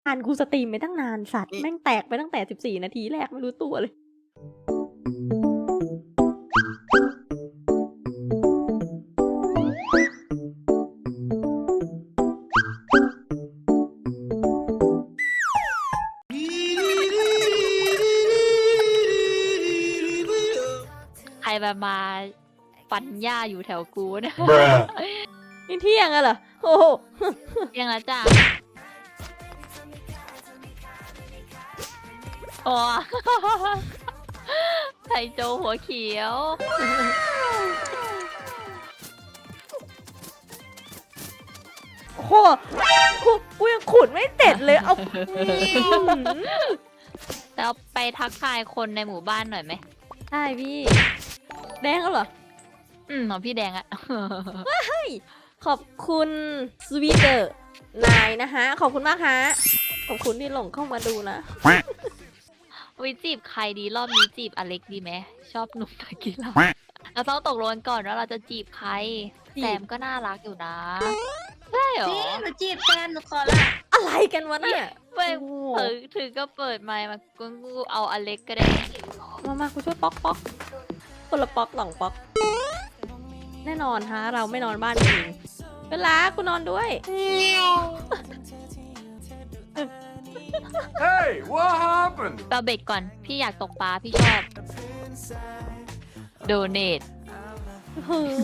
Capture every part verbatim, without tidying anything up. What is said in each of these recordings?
อ่านกูสตรีมไปตั้งนานสัตว์แม่งแตกไปตั้งแต่สิบสี่นาทีแรกไม่รู้ตัวเลยใครมามาฟันหญ้าอยู่แถวกูเนี่ยนี่เที่ยงอะเหรอโอ้โหเที่ยงแล้วจ้ะโอ้ไทโจหัวเขียวโอ้โหกูกูยังขุดไม่เสร็จเลยเอาแล้วไปทักทายคนในหมู่บ้านหน่อยไหมใช่พี่แดงแล้วเหรออืมของพี่แดงอะขอบคุณสวีเดอร์นายนะฮะขอบคุณมากฮะขอบคุณที่หลงเข้ามาดูนะวิจีบใครดีรอบนี้จีบอเล็กดีไหมชอบหนุ่มนักกีฬาเราต้องตกลงก่อนว่าเราจะจีบใครจีบแซมก็น่ารักอยู่นะใช่เหรอพี่หนูจีบแฟนหนูขอละอะไรกันวะเนี่ยเปิดโอ้โหถือถือก็เปิดไมค์มากูกูเอาอเล็กก็ได้มามากูช่วยป๊อกป๊อกคนละป๊อกสองป๊อกแน่นอนฮะเราไม่นอนบ้านเองเวลากูนอนด้วย Hey, what happened? เราเบรกก่อนพี่อยากตกปลาพี่ชอบโดเนทเฮ้ย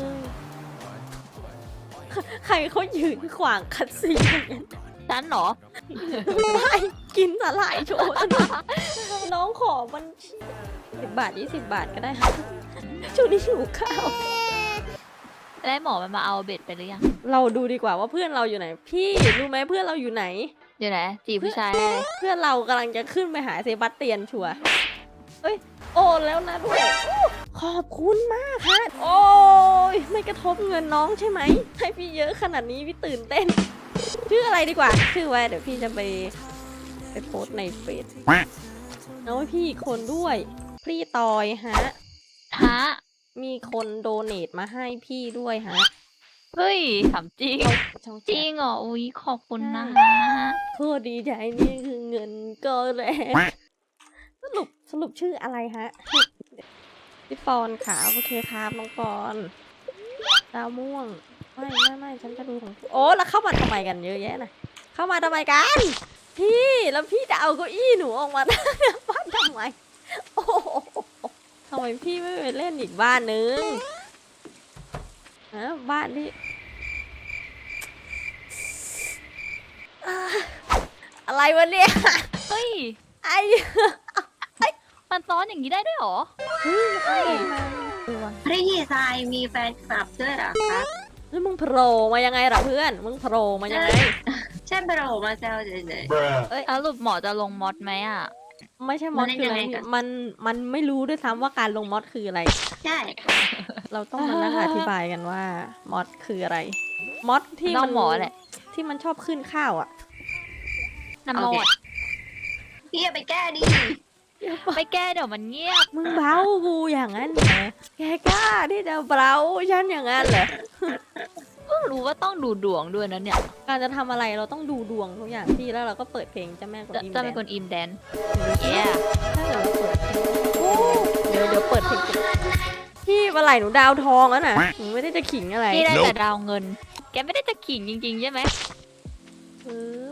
ใครเขายืนขวางคัดซีนอย่างนั้นฉันเหรอไม่กินสาหร่ายโชว์น้องขอมันสิบบาทยี่สิบบาทก็ได้ค่ะช่วงนี้หิวข้าวได้หมอมันมาเอาเบ็ดไปหรือยังเราดูดีกว่าว่าเพื่อนเราอยู่ไหน พี่รู้ไหมเพื่อนเราอยู่ไหนเดี๋ยวนะจีบผู้ชายได้เลยเพื่อนเรากำลังจะขึ้นไปหาเซบาสเตียนชัวร์เอ้ยโอนแล้วนะด้วยอู้ขอบคุณมากค่ะโอ้ยไม่กระทบเงินน้องใช่ไหมให้พี่เยอะขนาดนี้พี่ตื่นเต้นชื่ออะไรดีกว่าชื่อไว้เดี๋ยวพี่จะไปไปโพสต์ในเฟซเอาให้พี่อีกคนด้วยพี่ตอยฮะฮะมีคนโดเนทมาให้พี่ด้วยฮะเฮ้ยถามจริงช่องจเจ็ริดงเหรออุ้ยขอบคุณนะโคตรดีใจนี่คือเงินก็แรงสรุปสรุปชื่ออะไรฮะพี่ปอนขาโอเคครับน้องปอนดาวม่วงไม่ไม่ไม่ฉันจะดูของโอ้แล้วเข้ามาทำไมกันเยอะแยะนะเข้ามาทำไมกันพี่แล้วพี่จะเอาเก้าอี้หนูออกมาตั้งหน้าบ้านทำไมโอ้โหทำไมพี่ไม่ไปเล่นอีกบ้านนึงฮะบ้านที่อ่าอะไรวะเนี่ยเฮ้ยไอ้มันซ้อนอย่างนี้ได้ด้วยเหรอไอ้มันตัวพี่ทรายมีแฟนคลับด้วยเหรอครับแล้วมึงโผล่มายังไงล่ะเพื่อน มึงโผล่มายังไงใช่โปรมาแซวเฉย Bruh. เอ้ยสรุปหมอจะลงมอดไหมอ่ะไม่ใช่มอดคืออะไรมันยังไงกันมันมันไม่รู้ด้วยซ้ำว่าการลงมอดคืออะไรๆใช่เราต้องมานั่งอธิบายกันว่ามอดคืออะไร มอดที่น้อมังหมอแหละที่มันชอบขึ้นข้าวอ่ะน้ำมอดพี่อย่าไปแก้ดิไม่แก้เดี๋ยวมันเงียบมึงเบ้ากูอย่างนั้นเหรอแกกล้าที่จะเบ้าฉันอย่างนั้นเหรอเพิ่งรู้ว่าต้องดูดวงด้วยนะเนี่ยการจะทำอะไรเราต้องดูดวงทุกอย่างพี่แล้วเราก็เปิดเพลงเจ้าแม่กวนจะอิมจะแดเป็นนคนอิมแดนเย้ yeah ถ้าเกิดเราเปิดเพลงโอ้เดี๋ยวเดี๋ยวเปิดเพลงพี่เมื่อไหร่หนูดาวทองแล้วน่ะหนูไม่ได้จะขิงอะไรพี่ได้แต่ดาวเงิน แกไม่ได้จะขิงจริงๆใช่ไหมปึ๊บ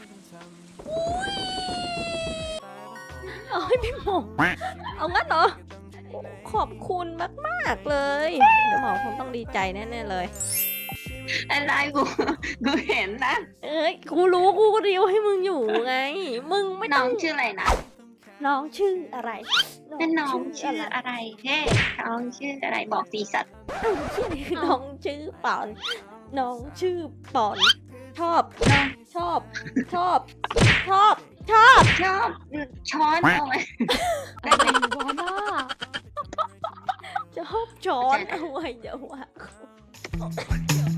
เอาให้พี่หมอเอางั้นเหรอขอบคุณมากๆเลยเดี๋ยวหมอคงต้องดีใจแน่ๆเลยอะไรกูกูเห็นนะเอ้ยกูรู้กูก็ริวให้มึงอยู่ไง มึงไม่น้ต้ออง งชื่ออะไรนะน้องชื่ออะไรเป็นน้องชื่ออะไรอะไรเฮ้น้องชื่ออะไรบอกสีสัตว์น้องชื่อปอน น้องชื่อปอน ชอบ ชอบ ชอบ ชอบ ชอบชอบช้อนเอาไว้อะไรวะน่าชอบช้อนเอาไว้เดี๋ยวว่า